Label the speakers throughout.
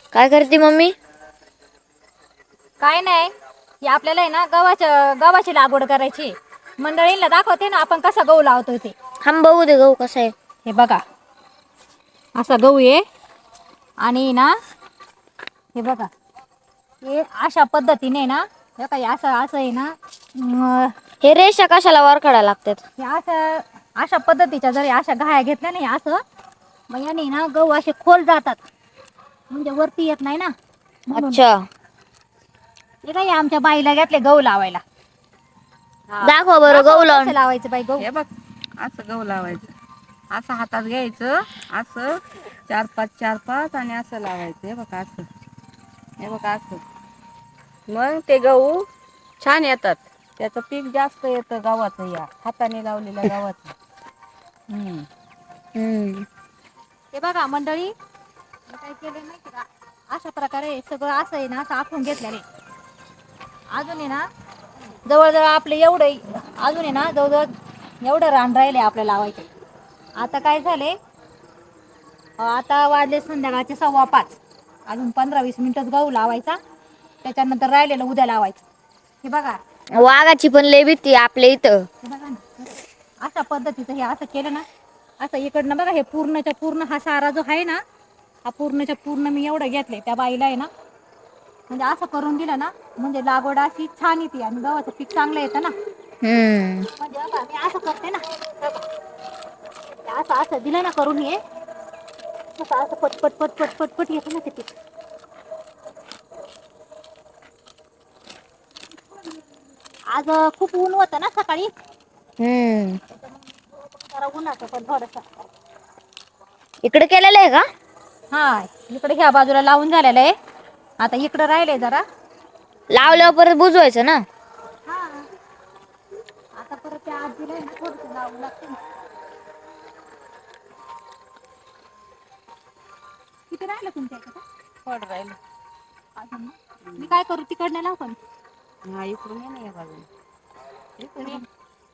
Speaker 1: काय करते मम्मी?
Speaker 2: काय नाही, हे आपल्याला आहे ना गव्हाची लागवड करायची. मंडळींना दाखवते ना आपण कसा गहू लावतो ते.
Speaker 1: थांब बघू दे गहू कसा आहे.
Speaker 2: हे बघा, असा गहू आहे आणि ना हे बघा, हे अशा पद्धतीने ना हे काही असं आहे ना.
Speaker 1: हे रेषा कशाला वरखडा लागतात?
Speaker 2: हे असं अशा पद्धतीच्या जरी अशा घाया घेतल्या नाही असं, मग याने ना गहू असे खोल जातात, म्हणजे वरती येत नाही ना म्हणून.
Speaker 1: अच्छा,
Speaker 2: हे काय आमच्या बाईला घेतले गहू लावायला.
Speaker 1: दाखव बरं
Speaker 2: दाखव
Speaker 1: गहू
Speaker 2: कसं
Speaker 1: लावून.
Speaker 2: लावायचं बाई गहू.
Speaker 3: हे बघ, असं गहू लावायचं. असं हातात घ्यायचं, असं 4-5 आणि असं लावायचं. हे बघ असं, हे बघ असं. मग ते गहू छान येतात. त्याचं पीक जास्त येतं गव्हाचं, या हाताने लावलेल्या गव्हाचं.
Speaker 2: हे बघा मंडळी, मी काय केलं माहिती का, अशा प्रकारे सगळं असं आहे ना, असं आखून घेतलेलं आहे. अजून आहे ना जवळजवळ आपलं एवढं, अजून आहे ना जवळजवळ एवढं रान राहिले आपलं लावायचं. आता काय झाले, आता वाजले संध्याकाळचे 5:15. अजून 15-20 मिनिटच गहू लावायचा, त्याच्यानंतर राहिलेलं उद्या लावायचं. हे बघा,
Speaker 1: वाघाची पण लय भीती आपल्या इथं.
Speaker 2: हे बघा ना, अशा पद्धतीचं हे असं केलं ना, असं इकडनं बघा, हे पूर्णच्या पूर्ण हा सारा जो आहे ना, हा पूर्णच्या पूर्ण मी एवढं घेतलंय. त्या बाईला आहे ना, म्हणजे असं करून दिलं ना, म्हणजे लागवड अशी छान येते आणि गव्हाचं पीक चांगलं येतं ना. म्हणजे बघा, मी असं करते ना, असं दिलं ना करून, हे असं पटपट पटपट पटपट येतं ना ते पीक. आज खूप ऊन होतं ना सकाळी, जरा उन्हाचं पण थोडंसं.
Speaker 1: इकडे केलेलं आहे का?
Speaker 2: हा, इकडे ह्या बाजूला लावून झालेलं आहे. आता इकडं राहिलंय जरा.
Speaker 1: लावल्यावर परत बुजवायचं ना.
Speaker 2: हा, आता परत त्या आजीला आहे ना थोडंसं लावून लागते ना. किती राहिलं तुमच्या इकडं?
Speaker 3: थोडं राहिलं.
Speaker 2: अजून ना? मी काय करू, तिकडनं लावू पण?
Speaker 3: हा, इकडून ये ना या बाजूला. इकडून ये.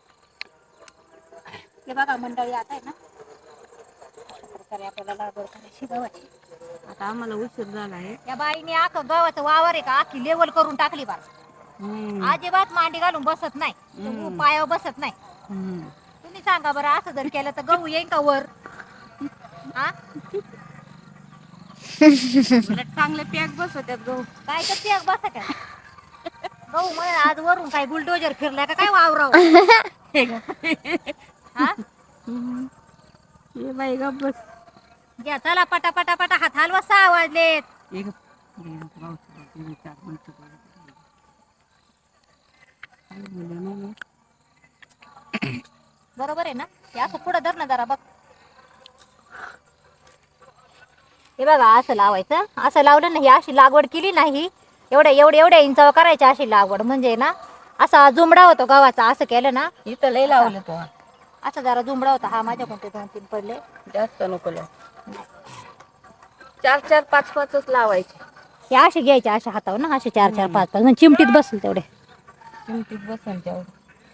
Speaker 2: हे बघा मंडळी, आता आहे ना अशा प्रकारे आपल्याला लागवड करायची गव्हाची.
Speaker 3: आता आम्हाला उशीर झाला आहे.
Speaker 2: या बाईने अख्खं गव्हाचं वावर आहे का अख्खी लेवल करून टाकली बा. अजिबात मांडी घालून बसत नाही, पायावर बसत नाही. तुम्ही सांगा बरं, असं जर केलं तर गहू येईन का वर? हा,
Speaker 3: उलट चांगले पॅक बसवतात गहू.
Speaker 2: काय तर ते बसत आहे गहू म्हणे आज वरून काय बुलडोजर फिरलाय का काय वावराव. हा,
Speaker 3: ये बाई गप बस.
Speaker 2: घ्या चला पटा पटा पटा, हात हलवा, 6 वाजलेत. बरोबर आहे ना, हे असं पुढं धर ना जरा बघ. हे बघा, असं लावायचं. असं लावलं ना, ही अशी लागवड केली नाही, एवढ्या इंचावर करायची अशी लागवड, म्हणजे ना असा जुमडा होतो गव्हाचा. असं केलं ना,
Speaker 3: इथं लय लावलं तो.
Speaker 2: असा जरा जुमडा होता. हा, माझ्याकडून ते 2-3 पडले.
Speaker 3: जास्त नको लावू. 4-4, 5-5च लावायचे.
Speaker 2: हे असे घ्यायचे, अशा हातावर ना, असे 4-4, 5-5 म्हणजे चिमटीत बसतील तेवढे.
Speaker 3: चिमटीत बसेल तेवढं.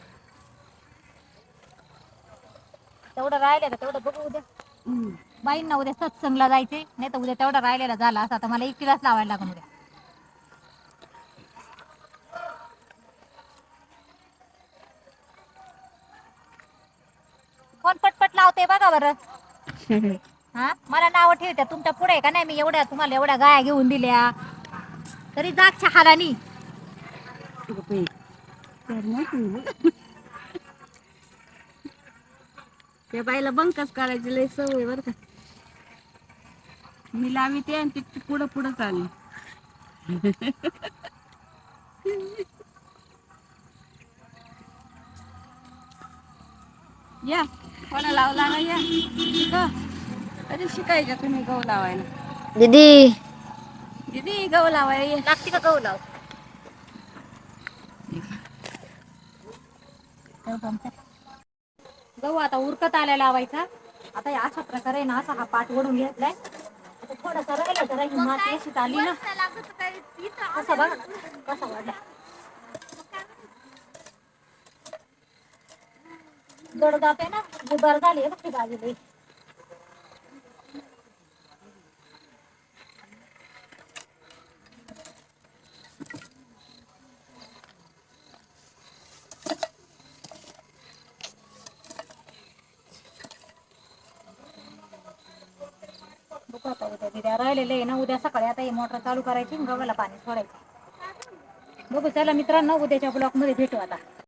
Speaker 2: तेवढं राहिलं का तेवढं बघू उद्या. बाईंना उद्या सत्संगला जायचे, नाही तर उद्या तेवढा राहिलेला झाला असं. आता मला एकटीलाच लावायला लागून उद्या. कोण पटपट लावते बघा बरं. हा, मला नाव ठेवत्या तुमच्या पुढे का नाही. मी तुम्हाला एवढ्या गाया घेऊन दिल्या तरी जागच्या हालानी.
Speaker 3: त्या बाईला बंकच काढायची लय सवय बरं का. मी लाविते आणि ती पुढं पुढं चालली. या, कोणा लावला ना, या कधी शिकायच्या तुम्ही गहू लावायला.
Speaker 1: दीदी,
Speaker 3: दीदी गहू लावायला
Speaker 2: लागते का गहू लाव. गहू आता उरकत आल्या लावायचा. आता अशा प्रकारे ना, असा हा पाठ ओढून घेतलाय. आता थोडासा राहिला, जरा ही माती अशी आली ना, कसं बघा कसा वाढला. जड जाते ना, गुबार झाली आहे ती बाजूला. बघू आता उद्या राहिलेले आहे ना, उद्या सकाळी आता ही मोटर चालू करायची आणि गव्हाला पाणी सोडायचं. बघू चला मित्रांनो, उद्याच्या ब्लॉग मध्ये भेटू आता.